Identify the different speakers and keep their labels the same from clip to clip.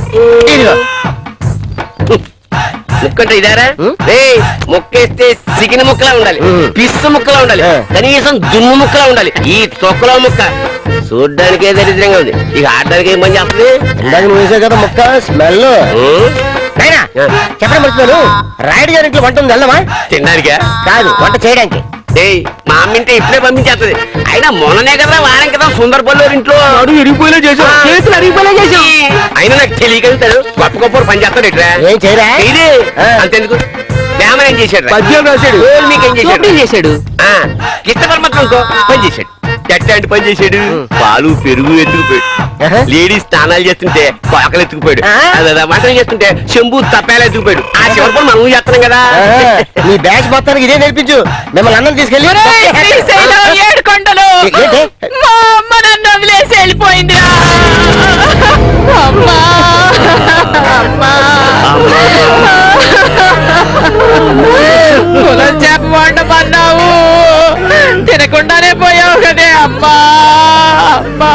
Speaker 1: ముక్కంటే ఇదారా ముక్కేస్తే chicken ముక్కలా ఉండాలి, fish ముక్కలా ఉండాలి, కనీసం దుమ్ము ముక్కలా ఉండాలి. ఈ తొక్కలో ముక్క చూడ్డానికే దరిద్రంగా ఉంది, ఇక ఆడడానికి ఏం పని చేస్తుంది?
Speaker 2: నువ్వు వేసే కదా ముక్క స్మెల్. చెప్పడం మర్చిపోయాను, రాయుడు గారి ఇంట్లో వంట ఉంది, వెళ్దామా?
Speaker 1: తినడానికా
Speaker 2: కాదు, వంట చేయడానికి.
Speaker 1: మా అమ్మ ఇంటే ఇప్పుడే పంపించేస్తుంది. అయినా మొన్ననే కదా వారం కదా సుందరపల్లి ఇంట్లో
Speaker 2: ఇరిగిపోయినా చేసావు, చేతులు అరిగిపోయినా చేసావు.
Speaker 1: అయినా నాకు తెలియగలుగుతాడు, గొప్ప గొప్ప పని చేస్తాడు ఇట్లా.
Speaker 2: ఏం చేయరా?
Speaker 1: ఇది అంతెందుకు వేమన ఏం చేశాడు?
Speaker 2: పద్యం రాశాడు.
Speaker 1: మీకేం చేశాడు? కిష్ట పరమాత్మ ఇంకో పని చేశాడు. ఎట్లాంటి పని చేశాడు? పాలు పెరుగు ఎత్తుకుపోయాడు, లేడీస్ స్నానాలు చేస్తుంటే పాకలు ఎత్తుకుపోయాడు, వంటలు చేస్తుంటే చెంబు తప్పేలా ఎత్తుకుపోయాడు. ఆ చివరి పని మనం చేస్తున్నాం కదా.
Speaker 2: నీ బ్యాచ్ మొత్తానికి ఇదే నేర్పించు. మిమ్మల్ని అన్నం తీసుకెళ్ళి
Speaker 3: ఏడుకొండలు మా అమ్మ నన్ను వదిలేసి వెళ్ళిపోయిందిరా. అమ్మా కులం చేప వండమన్నావు, తినకుండానే పోయావు కదే అమ్మా. అమ్మా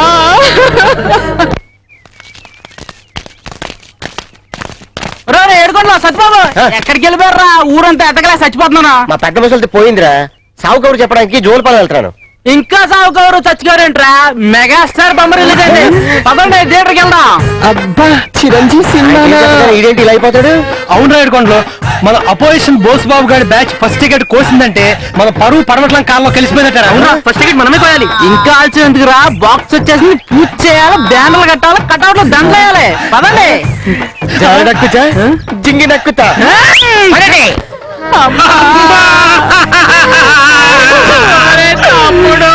Speaker 3: ఏడుకోండి సత్యబాబు, ఎక్కడికి వెళ్ళిపోయారా? ఊరంతా ఎట్టగలే చచ్చిపోతున్నానా?
Speaker 2: మా పెద్ద ముసలితో పోయిందిరా, సావు కబురు చెప్పడానికి జోలుపాలెం వెళ్తున్నాను.
Speaker 3: ఇంకా సాగు కవరు చచ్చిపోయారేంట్రా? మెగాస్టార్ బొమ్మ రిలీజ్ అయితే పదండి థియేటర్కి వెళ్దాం.
Speaker 2: అబ్బా చిరంజీవి సినిమా. ఇదేంటి ఇలా అయిపోతాడు?
Speaker 4: అవును రాయడుకోండి, మన అపోజిషన్ బోస్ బాబు గారి బ్యాచ్ ఫస్ట్ టికెట్ కోసిందంటే మన పరువు పడమట్లం కాలంలో కలిసిపోయినట్టారా?
Speaker 3: అవునా, ఫస్ట్ టికెట్ మనమే కోయాలి. ఇంకా ఆల్చిన ఎందుకురా? బాక్స్ వచ్చేసి పూజ చేయాలి, బ్యానర్లు కట్టాలి, కట్అవుట్ లో దండలు వేయాలి. పదండి.
Speaker 2: నక్కుతా జింగి నక్కుతా.
Speaker 3: తమ్ముడు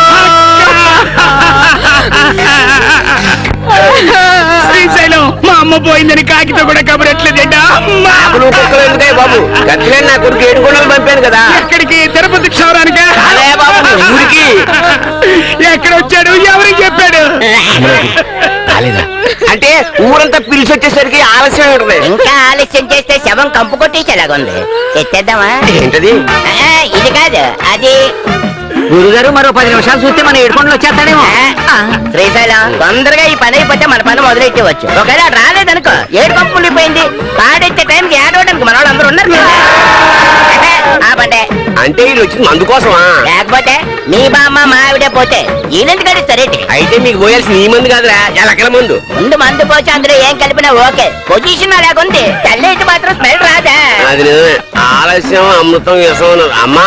Speaker 4: శ్రీశైలం మా అమ్మ పోయిందని కాకితో కూడా కబురెట్లేదేటా?
Speaker 1: బాబు గట్లే నా కొడుకు ఏడుకొండలు పంపాను కదా.
Speaker 4: ఎక్కడికి? తిరుపతి క్షౌరానికి.
Speaker 1: అదే బాబు ఊరికి.
Speaker 4: ఎక్కడ వచ్చాడు, ఎవరికి చెప్పాడు?
Speaker 1: అంటే ఊరంతా పిలిచి వచ్చేసరికి ఆలస్యం ఉంటుంది.
Speaker 5: ఇంకా ఆలస్యం చేస్తే శవం కంపు కొట్టేసేలాగుంది. ఎత్తేద్దామా?
Speaker 1: ఏంటది?
Speaker 5: ఇది కాదు, అది.
Speaker 3: గురుగారు మరో 10 నిమిషాలు చూస్తే మన ఏడుకొండలు వచ్చేస్తాడేమో.
Speaker 5: శ్రీశైలం తొందరగా ఈ పని అయిపోతే మన పని మొదలెట్టవచ్చు. ఒకవేళ రాలేదనుకో, ఏడు కంపు ఉండిపోయింది, పాడెత్తే టైంకి ఏడవడానికి మన వాళ్ళు అందరూ ఉన్నారు కదా. ఆపండే.
Speaker 1: అంటే వీళ్ళు వచ్చింది మందు కోసమా?
Speaker 5: లేకపోతే మీ బామ్మ మా ఆవిడే పోతే ఈయనెందుకు గడిస్తారేంటి?
Speaker 1: అయితే మీకు పోయాల్సిన ఈ మందు కాదురా, ఎలకల మందు.
Speaker 5: ముందు మందు పోచి అందులో ఏం కలిపినా ఓకే, పొజిషన్ అలాగుంది. తెల్లైతే మాత్రం స్మెల్ రాదా?
Speaker 1: అది నిజమే, ఆలస్యం అమృతం విషం. అమ్మా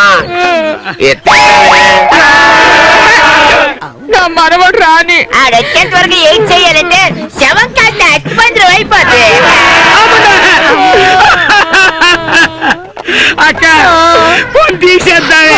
Speaker 3: మనవాడు రాని
Speaker 5: ఆడొచ్చేంత వరకు ఏం చెయ్యాలంటే శవం కాస్త అచ్చిపంద్రం అయిపోతుంది.
Speaker 4: అక్క ఫోన్ తీసేద్దామే.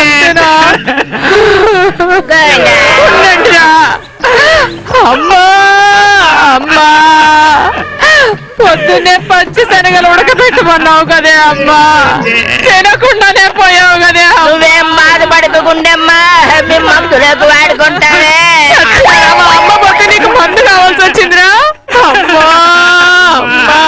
Speaker 3: అమ్మా అమ్మా, పొద్దున్నే పచ్చి శనగలు ఉడకబెట్టమన్నావు కదే అమ్మా, తినకుండానే పోయావు కదే.
Speaker 5: నువ్వేం బాధపడకుండమ్మా, మీ మందులకు వాడుకుంటావే.
Speaker 3: అమ్మ పోతే నీకు మందు కావాల్సి వచ్చిందిరా. అమ్మా అమ్మా.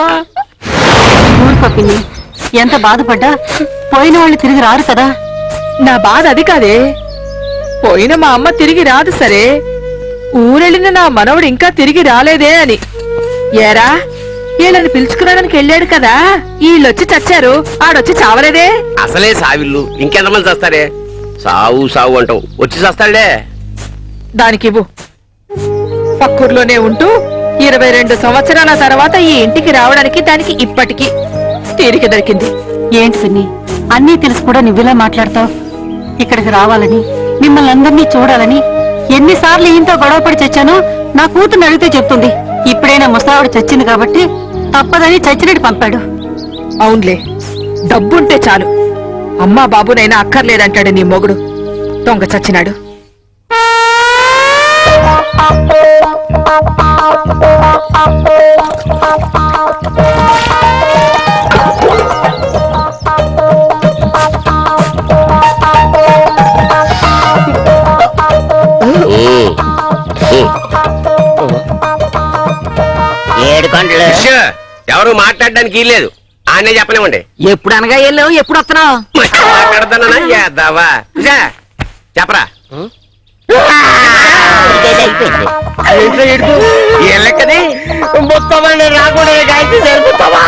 Speaker 6: పప్పిని ఎంత బాధపడ్డా పోయిన వాళ్ళు తిరిగి రారు కదా.
Speaker 3: నా బాధ అది కాదే, పోయిన మా అమ్మ తిరిగి రాదు సరే, ఊరెళ్ళిన నా మనవడు ఇంకా తిరిగి రాలేదే అని. ఏరా, వీళ్ళని పిలుచుకురావడానికి వెళ్ళాడు కదా, వీళ్ళొచ్చి చచ్చారు, ఆడొచ్చి చావలేదే.
Speaker 1: అసలే సావిల్లు, ఇంకెంతమంది చస్తారే? సావు సావు అంటావు, వచ్చి చస్తాడే.
Speaker 3: దానికివ్వు. పక్కూర్లోనే ఉంటూ 22 సంవత్సరాల తర్వాత ఈ ఇంటికి రావడానికి దానికి ఇప్పటికి తీరిక దొరికింది.
Speaker 6: ఏంటి పిన్ని, అన్నీ తెలిసి కూడా నువ్విలా మాట్లాడతావు? ఇక్కడికి రావాలని, మిమ్మల్ని అందరినీ చూడాలని ఎన్నిసార్లు ఈయంతో గొడవపడి చచ్చానో నా కూతుర్ని అడిగితే చెప్తుంది. ఇప్పుడైనా ముసావిడ చచ్చింది కాబట్టి తప్పదని చచ్చినట్టు పంపాడు.
Speaker 3: అవునులే, డబ్బుంటే చాలు, అమ్మా బాబునైనా అక్కర్లేదంటాడు నీ మొగుడు. దొంగ చచ్చినాడు.
Speaker 5: ఏడుకొండలు
Speaker 1: ఎవరు మాట్లాడడానికి లేదు, ఆనే చెప్పలేమండి.
Speaker 3: ఎప్పుడు అనగా వెళ్ళావు, ఎప్పుడు వస్తున్నావు?
Speaker 1: మాట్లాడతానా చేద్దావా? చెప్పరా.
Speaker 5: అయిపోయింది.
Speaker 1: ఏ లెక్కది?
Speaker 2: మొత్తం రాకుండా
Speaker 5: సరిపోతావా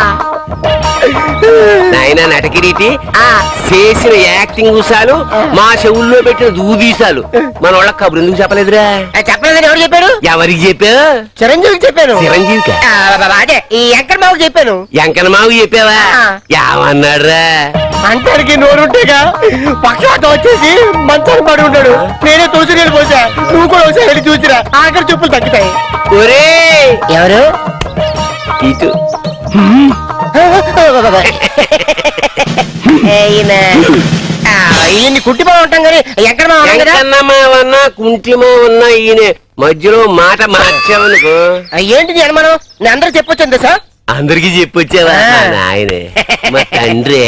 Speaker 1: నాయన నటకిరీటి చేసిన యాక్టింగ్ ఊసాలు మా చెవుల్లో పెట్టిన దూదీసాలు మన వాళ్ళకి కబురు ఎందుకు చెప్పలేదురా?
Speaker 5: చెప్పలేదని ఎవరు చెప్పారు?
Speaker 1: ఎవరికి చెప్పా?
Speaker 5: చిరంజీవికి చెప్పాను.
Speaker 1: చిరంజీవికి
Speaker 5: అదే ఈ వెంకట బాబుకి చెప్పాను.
Speaker 1: ఎంకనమావు చెప్పావా? ఏమన్నాడురా?
Speaker 2: అంతరికి నోరుంటేగా పక్షాతం వచ్చేసి మంచాన్ని పడి ఉంటాడు. నేనే తులసి నీళ్ళు పోసా, నువ్వు కూడా ఒకసారి వెళ్ళి చూసిరా, ఆఖరి చూపులు తగ్గుతాయి.
Speaker 1: ఒరే
Speaker 5: ఎవరు?
Speaker 1: ఇటు
Speaker 5: ఈయన్ని కుట్టి బాబు ఉంటాం కానీ ఎక్కడ
Speaker 1: ఎంకన్నమావన్నా కుంటిమావన్నా ఈయన మధ్యలో మాట మార్చావనుకో
Speaker 5: ఏంటిది అనుమానం? నేను అందరూ చెప్పొచ్చు సార్.
Speaker 1: అందరికి చెప్పొచ్చావా? నాయనే మా తండ్రి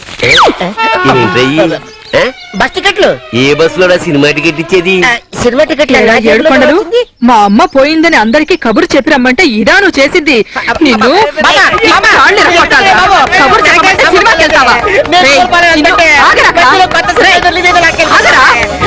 Speaker 5: బస్ టికెట్లు
Speaker 1: ఏ బస్సులో సినిమా టికెట్ ఇచ్చేది?
Speaker 5: సినిమా టికెట్లు
Speaker 3: ఏరా ఏడుకొండలు, మా అమ్మ పోయిందని అందరికి కబురు చెప్పి రమ్మంటే ఇదా నువ్వు చేసింది? నిన్ను ఈ కాళ్ళు ఇరగొట్టాలా? కబురు చెప్పమంటే సినిమాకి వెళ్తావా? రేయ్, నిన్ను ఆగరా? రేయ్, ఆగరా?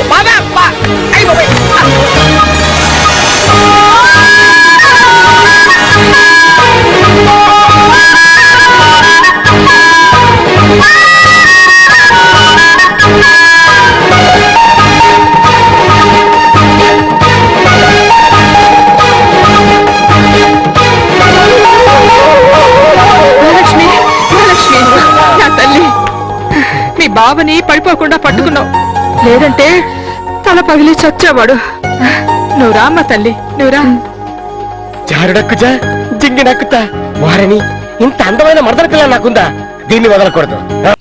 Speaker 3: మహాలక్ష్మి, మహాలక్ష్మి, నా తల్లి, మీ బావని పడిపోకుండా పట్టుకున్నావు, లేదంటే తల పగిలి చచ్చేవాడు. నువ్వు రామ్మ తల్లి, నువ్వురా.
Speaker 2: జారుడక్కుజా జింగినక్కుతా వారని ఇంత అందమైన మరదల పిల్ల నాకుందా? దీన్ని వదలకూడదు.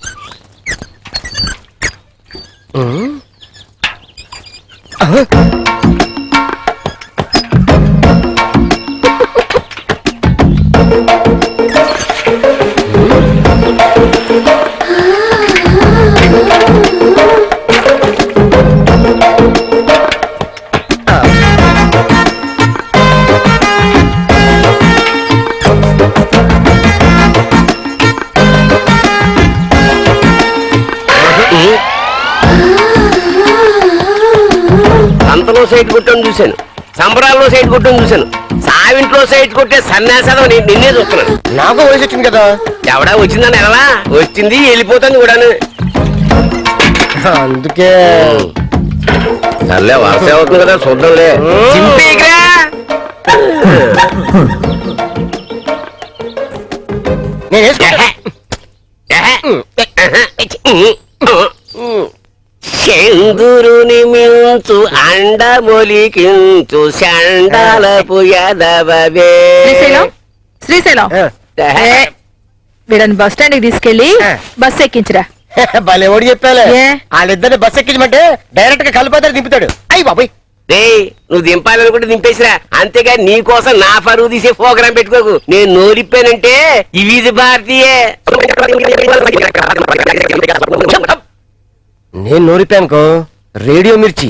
Speaker 1: సంతలో సైట్ కొట్టని చూశాను, సంబరాల్లో సైట్ కొట్టని చూశాను, సావింట్లో సైట్ కొట్టే సన్యాసాదం నిన్నే చూస్తున్నాను.
Speaker 2: నాకు వయసు వచ్చింది కదా.
Speaker 1: ఎవడా వచ్చిందని ఎలా వచ్చింది, వెళ్ళిపోతాను కూడాను.
Speaker 2: అందుకే
Speaker 1: సర్లే వరస అవుతుంది కదా, చూద్దాంలే. చింపేకిరా.
Speaker 2: నేను వేసుకో.
Speaker 1: చందురుని మించు అండమొలికించు చండాలపు యదవవే.
Speaker 3: శ్రీశైలం, శ్రీశైలం, వీడని బస్ స్టాండ్ కి తీసుకెళ్లి బస్ ఎక్కించరా.
Speaker 2: భలే ఓడి చెప్పాలే.
Speaker 3: ఏ?
Speaker 2: వాళ్ళిద్దరిని బస్ ఎక్కించమంటే డైరెక్ట్ గా కలిపోతారు దింపుతాడు. అయ్యి బాబాయ్,
Speaker 1: రేయ్, నువ్వు దింపాలనుకుంటే దింపేసిరా, అంతేగా నీ కోసం నా పరువు తీసే ప్రోగ్రాం పెట్టుకోకు. నేను నోరిప్పానంటే ఇవి భారతీయే.
Speaker 2: నేను నోరిపానుకో రేడియో మిర్చి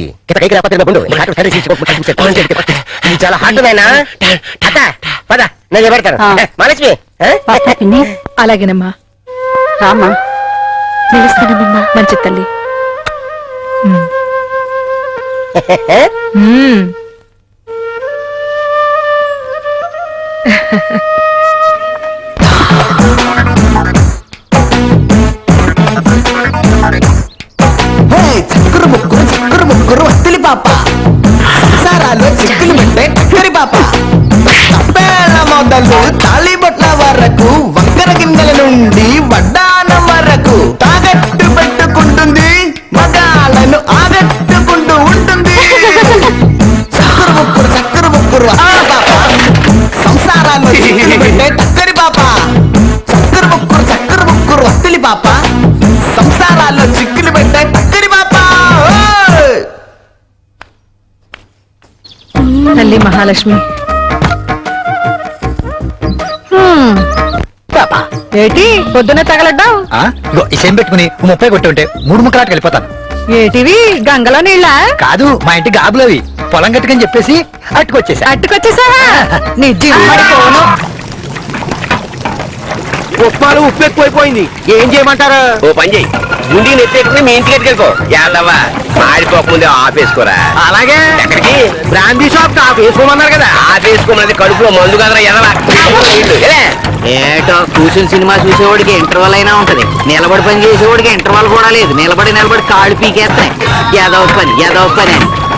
Speaker 2: చాలా హాట్ నాయనా. అత్త పద నేను పెడతాను. మహాలక్ష్మి
Speaker 6: వస్తా పిన్ని.
Speaker 3: అలాగేనమ్మా,
Speaker 6: రామా, పిలుస్తానమ్మా.
Speaker 3: మంచి తల్లి. మ్మ్.
Speaker 7: చక్కరు ముక్కురు వత్తిలి పాప సారాలు చిక్కులు పెట్టే టక్కరి పాప తప్పేళ్ల మొదలు తాళిబొట్ల వరకు వంకర గిన్నెల నుండి వడ్డానం వరకు తాగట్టు పెట్టుకుంటుంది, మగాళ్ళను ఆగట్టుకుంటూ ఉంటుంది. చక్కరు ముక్కురు పాప సంసారాలు చిక్కులు పెట్టే టక్కరి పాప. చక్కరు ముక్కురు వత్తిలి పాప సంసారాల్లో చిక్కులు పెట్టే టక్కరి పాప.
Speaker 3: తల్లి మహాలక్ష్మి. ఏటి పొద్దున తగలడ్డావు?
Speaker 4: ఇసేం పెట్టుకుని 30 కొట్టి ఉంటే 3 ముక్కలాట వెళ్ళిపోతాను.
Speaker 3: ఏటివి గంగలో నీళ్ళ?
Speaker 4: కాదు, మా ఇంటి గాబులవి. పొలం గట్టుకని చెప్పేసి అట్టుకొచ్చేసా.
Speaker 3: అట్టుకొచ్చేసావా? నీ జిమ్మడి పోను.
Speaker 2: ఉప్మాలు ఉప్పు ఎక్కువైపోయింది, ఏం చేయమంటారు?
Speaker 1: ఓ పని చెయ్యి, గుండీ నెత్తేసుకుని మీ ఇంటికి ఎట్టుకెళ్ళిపో. యాదవ్వా, మాడిపోకముందే ఆపేసుకోరా.
Speaker 2: అలాగే
Speaker 1: ఎక్కడికి?
Speaker 2: బ్రాందీ షాప్ వేసుకోమన్నారు కదా.
Speaker 1: ఆపేసుకోమన్నది కడుపులో మందు కదరా ఎదవా.
Speaker 5: ఏటో కూర్చుని సినిమా చూసేవాడికి ఇంటర్వల్ అయినా ఉంటది, నిలబడి పని చేసేవాడికి ఇంటర్వల్ కూడా లేదు. నిలబడి కాళ్ళు పీకేస్తాయి. ఏదో పని అని.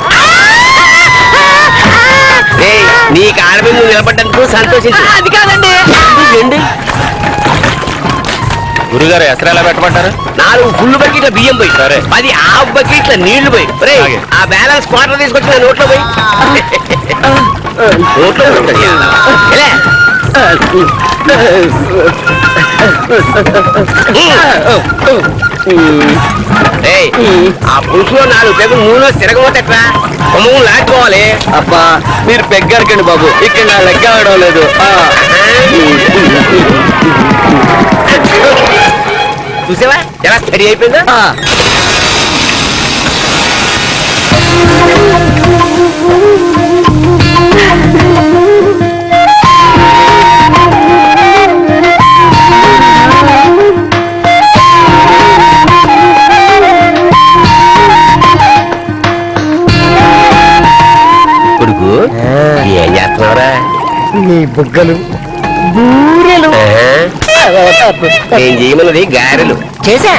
Speaker 1: ఏయ్, నీ కాళ్ళ మీద నువ్వు నిలబడ్డందుకు సంతోషించు.
Speaker 5: అది కాదండి.
Speaker 4: గురుగారు ఎసరు ఎలా పెట్టమంటారు?
Speaker 1: 4 ఫుల్ బకెట్ల బియ్యం పోయి,
Speaker 4: సరే.
Speaker 1: 10 హాఫ్ బకెట్ల నీళ్లు పోయి. ఒరేయ్,
Speaker 4: అలాగే.
Speaker 1: ఆ బ్యాలెన్స్ క్వార్టర్ తీసుకొచ్చి నా నోట్లో పోయి. నోట్లో పోయి. ఎలా? ఏయ్, ఆ పులుసులో 4 పెగ్గులు నూనె తిరగబోతే ఎట్లా? కొమ్ము లాక్కోవాలి.
Speaker 2: అబ్బా మీరు పెగ్గారకండి బాబు, ఇక్కడ నా లెక్క అవడం లేదు.
Speaker 1: చూసావా ఎలా స్టడీ అయిపోయిందా? కొడుకు ఏం చేస్తున్నావురా?
Speaker 2: నీ బుగ్గలు బూరెలు
Speaker 1: నేను చేయమన్నది గారెలు.
Speaker 2: చేసా.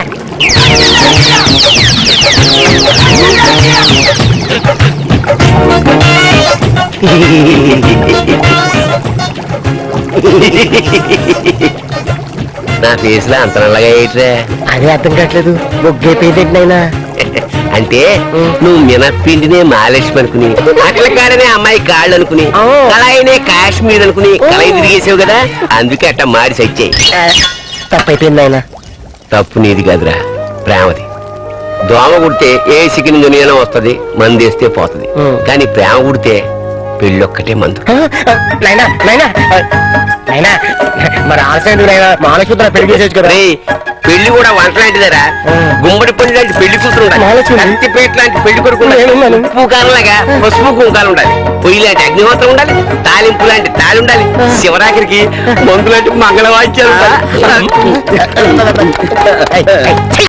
Speaker 1: నా ఫేస్ లో అంత నల్లగా ఏంట్రా?
Speaker 2: అదే అర్థం కావట్లేదు. బొగ్గే పేదెట్నైనా
Speaker 1: అంటే నువ్వు మినప్పిండినే మాలేష్ అనుకుని, అట్ల కాడనే అమ్మాయి కాళ్ళు అనుకుని, కళాయినే కాశ్మీర్ అనుకుని కళాయి తిరిగేసావు కదా, అందుకే అట్ట మారి సచ్చాయి.
Speaker 2: తప్పైపోయింది ఆయన.
Speaker 1: తప్పు నీది కాదురా, ప్రేమది. దోమ కుడితే ఏ సికిన్ దునియాలో వస్తుంది, మందేస్తే పోతుంది. కానీ ప్రేమ కుడితే పెళ్ళొక్కటే మందు.
Speaker 2: నైనా నైనా నైనా మరి ఆశయం నైనా మాలసూత్ర పెళ్లి చేసేచ్చు కదా.
Speaker 1: రేయ్, పెళ్లి కూడా వంట లాంటిదరా. గుమ్మడి పండు లాంటి పెళ్లి కూతురు ఉండాలి,
Speaker 2: మాలక్ష్మి.
Speaker 1: కత్తిపేట లాంటి పెళ్లి కొడుకు ఉండాలి,
Speaker 2: నేనున్నాను.
Speaker 1: ఉప్పు కారంలాగా పసుపు కుంకాలు ఉండాలి, పొయ్యి లాంటి అగ్నిహోత్రం ఉండాలి, తాలింపు లాంటి తాళి ఉండాలి, శివరాత్రికి మందు లాంటి మంగళవాద్యాలు ఉండాలి.